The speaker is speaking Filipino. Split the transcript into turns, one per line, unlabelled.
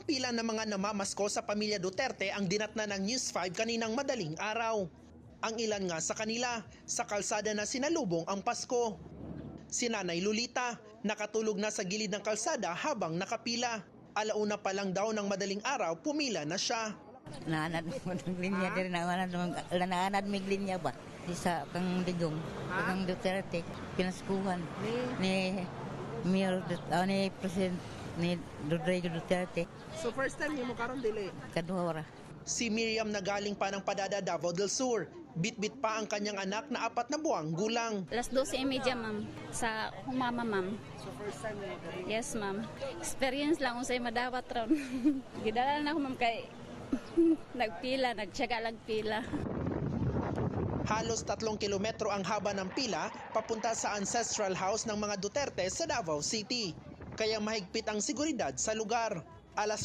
pila ng mga namamasko sa pamilya Duterte ang dinatna ng News 5 kaninang madaling araw. Ang ilan nga sa kanila, sa kalsada na sinalubong ang Pasko. Si Nanay Lolita, nakatulog na sa gilid ng kalsada habang nakapila. Alauna pa lang daw ng madaling araw, pumila na siya.
Naanad mo ng linya din, naanad mo yung linya ba? Isa kang digong, kang Duterte, pinaskuhan ni Mayor, ni President, ni Rodrigo Duterte.
So first time mo karon dili?
Kadua.
Si Miriam na galing pa ng Padada, Davao del Sur. Bit-bit pa ang kanyang anak na 4 na buwang gulang.
Alas 12:30, ma'am. Sa humama, ma'am.
So first time mo karon?
Yes, ma'am. Experience lang kung sa'yo madawat ron. Gidala na ako, ma'am, kay nagtsaga lang pila.
Halos 3 kilometro ang haba ng pila papunta sa ancestral house ng mga Duterte sa Davao City. Kaya mahigpit ang seguridad sa lugar. Alas